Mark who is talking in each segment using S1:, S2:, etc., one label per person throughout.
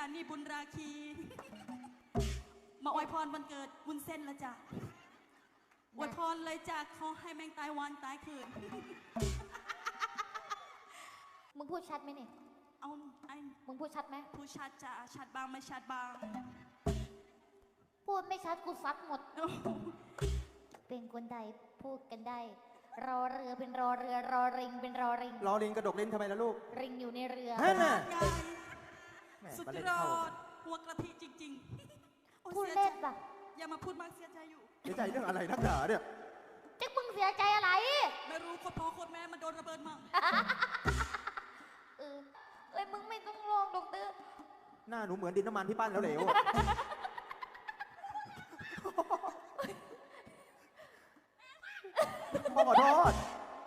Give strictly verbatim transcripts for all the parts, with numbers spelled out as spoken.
S1: นีบุญราคีมาอวยพรวันเกิดวุ้นเส้นละจ้ะอวยพรเลยจ้ะขอให้แมงตายวันตายคืน
S2: มึงพูดชัดไหมเนี่ย
S1: เอาไอ้
S2: มึงพูดชัดไหม
S1: พูดชัดจ้ะชัดบางไม่ชัดบาง
S2: พูดไม่ชัดกูซัดหมดเป็นคนใดพูดกันได้รอเรือเป็นรอเรือรอริงเป็นรอริง
S3: รอริงกระดกเล่นทำไมล่ะลูก
S2: ริงอยู่ในเรือ
S3: ฮะน่ะ
S1: สุดยอดหัวกระทิจริงๆ
S2: พูดเล่นปะ
S1: อย่ามาพูดมากเสียใจอยู่
S3: เสียใจเรื่องอะไรนักหนาเนี่ย
S2: จ๊กมึงเสียใจอะไร
S1: ไม่รู้คนพ่อคนแม่มันโดนระเบิดมั่ง
S2: เออเอ้ยมึงไม่ต้องลองดอกเตอร์
S3: หน้าหนูเหมือนดินน้ำมันที่ปั้นแล้วเหลวพ่อขอโทษ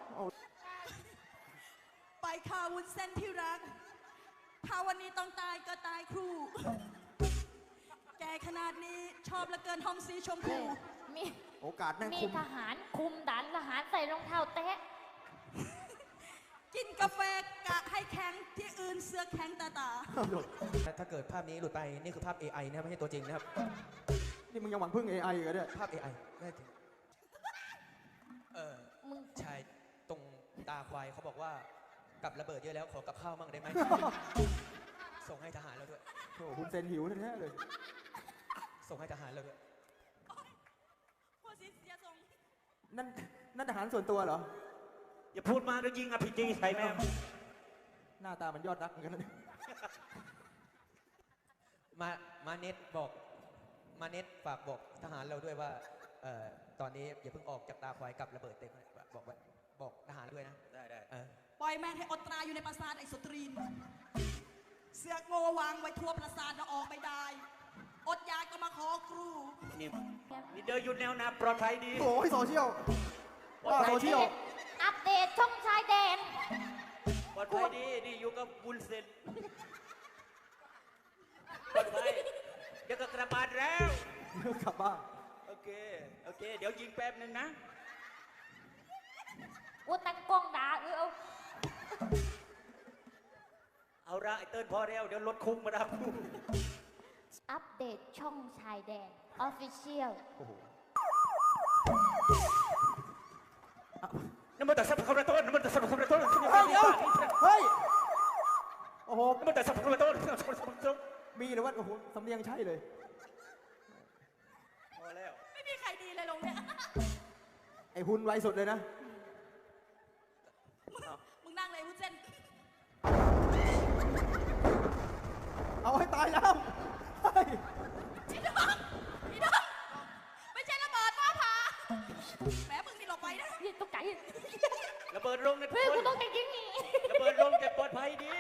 S1: ไปข่าววุ้นเส้นที่รักถ้าวันนี้ต้องตายก็ตายครูแกขนาดนี้ชอบเหลือเกินทอมสีชมพู
S2: มี
S3: โอกาสแม่ง
S2: มี
S3: คุม
S2: ทหารคุมด่านทหารใส่รองเท้าแตะ
S1: กินกาแฟกะให้แข็งที่อื่นเสื้อแข็งตาตา
S4: ถ้าเกิดภาพนี้หลุดไปนี่คือภาพ เอ ไอ นะครับไม่ใช่ตัวจริงนะครับ
S3: นี่มึงยังหวังพึ่ง เอ ไอ กันเนี่ย
S4: ภาพ เอ ไอ ได้ถึงเออชายตรงตาควายเขาบอกว่ากับระเบิดเยอะแล้วขอกับข้าวมั่งได้ไหมส่งให้ทหารแล้วด้วย
S3: โอ้คุณเซนหิวแท้ๆเลย
S4: ส่งให้ทหารแล้วด้วย
S1: พูดสิเสียทรง
S3: นั่นนั่นทหารส่วนตัวเหรอ
S5: อย่าพูดมากแล้วยิงอภิจีใส่แม่
S3: หน้าตามันยอดรักเหมือนกันนะ
S4: มามาเน็ตบอกมาเน็ตฝากบอกทหารเราด้วยว่าเอ่อตอนนี้อย่าเพิ่งออกจากตาควายกับระเบิดเต็มบอกไว้บอกทหารด้วยนะ
S5: ได้ได้
S1: ปล่อยแม่งให้อดตราอยู่ในปราสาทไอ้สตรีนเสือกโง่วางไว้ทั่วปราสาทเราออกไม่ได้อดยาก็มาขอครู
S5: นี่นี่เดินอยู่แนวนาปลอดภัยดี
S3: โอ้ยโซเชียลโซเชียล
S2: อัปเดตช่องชายแดน
S5: ปลอดภัยดีนี่อยู่กับบุญเซนปลอดภัยเดี๋ยวก็กลับบ้านแล้ว
S3: เดี๋ยวกลับบ้าน
S5: โอเคโอเคเดี๋ยวยิงแป๊บนึงนะ
S2: ว่าตั้งกล้องด่าเออเอา
S5: เอาละไอเติ้ลพอแล้วเดี๋ยวรถคุ้งมาดับ
S2: อัปเดตช่องชายแดน Official
S5: น้ำมันแต่สับคำระต้นน้ำมันแต่สับคำระต้น
S3: เฮ้ยเฮ้ยโอ้โห
S5: น้ำมันแต่สับคำระต้น
S3: มีหรือว่าโอ้โหสำเนียงใช่เลย
S5: พอแล้ว
S1: ไม่มีใครดีเลยลงเนี่ย
S3: ไอ้หุ่นไวสุดเลยนะ
S1: มึงนั่งเลยวุ้นเส้น
S3: เอาให้ตายแล้ว
S1: พี่น้องพี่น้องไม่ใช่ระเบิดฟ้าผ่าแหมมึงนี่หลบไปนะ
S2: นี่ตกใจ
S5: ระเบิดลงใน
S2: เฮ้ยกูต้องใจจริงนี่
S5: ระเบิดลงแต่ปลอดภัยดี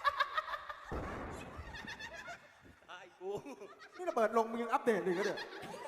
S5: ไอ้กู
S3: นี่ระเบิดลงมึงยังอัปเดตเลยก็เดี๋ยว